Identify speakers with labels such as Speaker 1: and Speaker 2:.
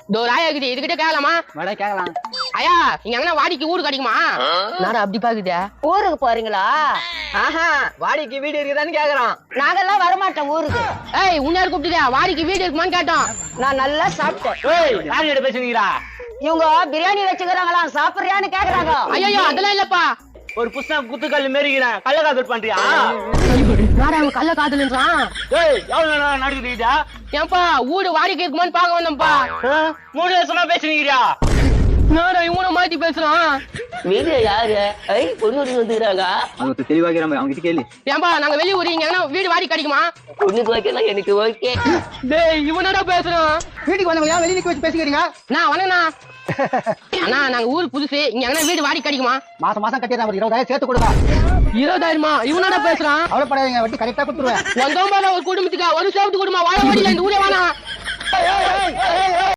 Speaker 1: ராயா இருக்குது இதுகிட்ட கேட்கலாமா?
Speaker 2: மேடம் கேட்கலாம்.
Speaker 1: ஐயா இங்க எங்கன்னா வாடிக்கு ஊரு கிடைக்குமா? நான் அப்படி பாக்குதே.
Speaker 3: ஊருக்கு போறீங்களா?
Speaker 2: ஆஹா, வாடிக்கு வீடு இருக்குதான்னு கேக்குறான்.
Speaker 3: நாங்கெல்லாம் வரமாட்டோம் ஊருக்கு.
Speaker 1: ஏய் உன்னாரு கூப்பிட்டுதே வாடிக்கு வீடு இருக்குமான்னு கேட்டோம்.
Speaker 3: நான் நல்லா சாப்பிட்டேன்.
Speaker 2: ஏய் யார் கிட்ட பேசுறீங்களா?
Speaker 3: இவங்க பிரியாணி வச்சுக்கிறாங்களாம், சாப்பிடுறியான்னு கேக்குறாங்க.
Speaker 1: ஐயோ அதெல்லாம் இல்லப்பா.
Speaker 2: ஒரு புஷ்டம் குத்துக்கல் மேரிக்கிறேன், கள்ளக்காதல் பண்றியா?
Speaker 1: நாடா அவன் கள்ள காதல்ன்றான்.
Speaker 2: ஏய் எவ்வளவு நேரம் நடக்குதுடா?
Speaker 1: ஏன்பா வீடு வாடிக்கை இருக்குமான்னு பாக்க வந்தோம்ப்பா.
Speaker 2: 3 வருஷமா பேசுறீங்கடா.
Speaker 1: நாடா இவனை மாத்தி பேசுறான்.
Speaker 3: வீடு யாரு? பொண்ணு வந்துக்கிறாங்க.
Speaker 2: அது தெளிவாகிற அவங்க கிட்ட கேளு.
Speaker 1: ஏன்பா நாங்க வெளிய ஊரு இங்க எங்கன்னா வீடு வாடி கிடைக்குமா?
Speaker 3: பொண்ணுக்கு ஓகேனா எனக்கு ஓகே.
Speaker 1: டேய் இவனடா பேசுறான்.
Speaker 2: வீட்டுக்கு வந்தவங்க வெளிய நிக்க வச்சு பேசிக்கிறீங்க.
Speaker 1: நான் வணங்கண்ணா. அண்ணா நாங்க ஊருக்கு புதுசு இங்க எங்கன்னா வீடு வாடி கிடைக்குமா?
Speaker 2: மாசம் மாசம் கட்டிடுறேன், ஒரு 20,000 சேர்த்து கொடுங்க.
Speaker 1: 20,000மா? இவனடா பேசுறான்.
Speaker 2: அவ்வளவுப்படாதீங்க, வட்டி கரெக்டா கொடுத்துருவேன்.
Speaker 1: வந்தோம் ஒரு குடும்பத்துக்கா ஒரு சேவத்து குடும்பம் வாழ வாடியில இந்த ஊரே வானா.